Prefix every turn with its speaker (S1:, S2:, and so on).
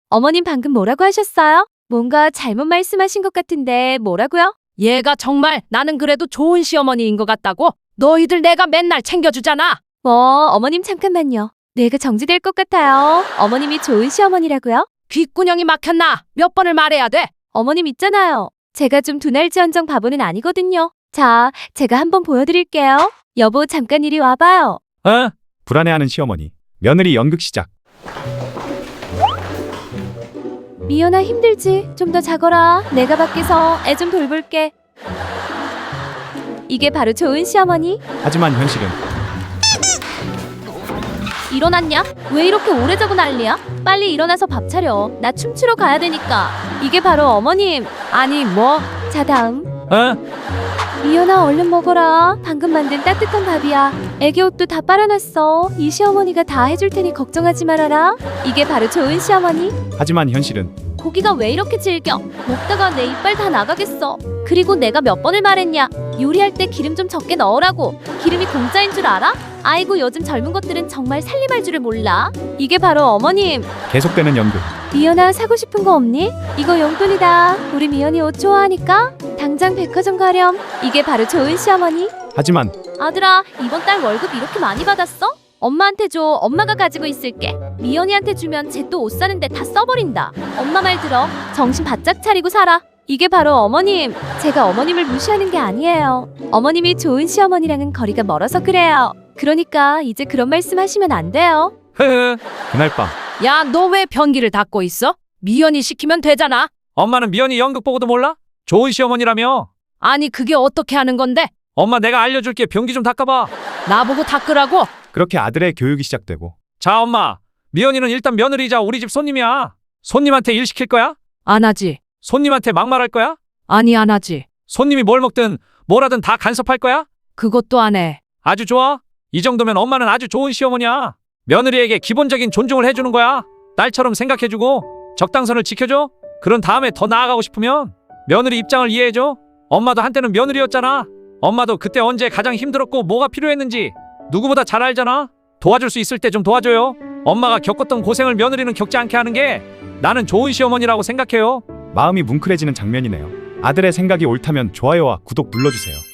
S1: 어머님 방금 뭐라고 하셨어요? 뭔가 잘못 말씀하신 것 같은데 뭐라고요?
S2: 얘가 정말 나는 그래도 좋은 시어머니인 것 같다고? 너희들 내가 맨날 챙겨주잖아.
S1: 어머님 잠깐만요. 뇌가 정지될 것 같아요. 어머님이 좋은 시어머니라고요?
S2: 귓구녕이 막혔나? 몇 번을 말해야 돼?
S1: 어머님 있잖아요. 제가 좀 두날지언정 바보는 아니거든요. 자, 제가 한번 보여드릴게요. 여보, 잠깐 이리 와봐요.
S3: 불안해하는 시어머니. 며느리 연극 시작.
S1: 미연아, 힘들지? 좀 더 자거라. 내가 밖에서 애 좀 돌볼게. 이게 바로 좋은 시어머니?
S3: 하지만 현실은
S1: 일어났냐? 왜 이렇게 오래 자고 난리야? 빨리 일어나서 밥 차려. 나 춤추러 가야 되니까. 이게 바로 어머님.
S2: 아니 뭐?
S1: 자, 다음. 미연아, 얼른 먹어라. 방금 만든 따뜻한 밥이야. 애기 옷도 다 빨아놨어. 이 시어머니가 다 해줄 테니 걱정하지 말아라. 이게 바로 좋은 시어머니?
S3: 하지만 현실은
S1: 고기가 왜 이렇게 질겨? 먹다가 내 이빨 다 나가겠어. 그리고 내가 몇 번을 말했냐? 요리할 때 기름 좀 적게 넣으라고. 기름이 공짜인 줄 알아? 아이고, 요즘 젊은 것들은 정말 살림할 줄을 몰라. 이게 바로 어머님.
S3: 계속되는 연극.
S1: 미연아, 사고 싶은 거 없니? 이거 용돈이다. 우리 미연이 옷 좋아하니까 당장 백화점 가렴. 이게 바로 좋은 시어머니?
S3: 하지만
S1: 아들아, 이번 달 월급 이렇게 많이 받았어? 엄마한테 줘. 엄마가 가지고 있을게. 미연이한테 주면 쟤 또 옷 사는데 다 써버린다. 엄마 말 들어. 정신 바짝 차리고 살아. 이게 바로 어머님. 제가 어머님을 무시하는 게 아니에요. 어머님이 좋은 시어머니랑은 거리가 멀어서 그래요. 그러니까 이제 그런 말씀 하시면 안 돼요.
S3: 그날 밤
S2: 야, 너 왜 변기를 닫고 있어? 미연이 시키면 되잖아.
S4: 엄마는 미연이 연극 보고도 몰라? 좋은 시어머니라며.
S2: 아니 그게 어떻게 하는 건데?
S4: 엄마 내가 알려줄게. 변기 좀 닦아봐.
S2: 나보고 닦으라고?
S3: 그렇게 아들의 교육이 시작되고
S4: 자 엄마, 미연이는 일단 며느리자 우리 집 손님이야. 손님한테 일 시킬 거야?
S2: 안 하지.
S4: 손님한테 막말할 거야?
S2: 아니 안 하지.
S4: 손님이 뭘 먹든 뭐라든 다 간섭할 거야?
S2: 그것도 안 해.
S4: 아주 좋아. 이 정도면 엄마는 아주 좋은 시어머니야. 며느리에게 기본적인 존중을 해주는 거야. 딸처럼 생각해주고 적당선을 지켜줘. 그런 다음에 더 나아가고 싶으면 며느리 입장을 이해해줘. 엄마도 한때는 며느리였잖아. 엄마도 그때 언제 가장 힘들었고 뭐가 필요했는지 누구보다 잘 알잖아. 도와줄 수 있을 때 좀 도와줘요. 엄마가 겪었던 고생을 며느리는 겪지 않게 하는 게 나는 좋은 시어머니라고 생각해요.
S3: 마음이 뭉클해지는 장면이네요. 아들의 생각이 옳다면 좋아요와 구독 눌러주세요.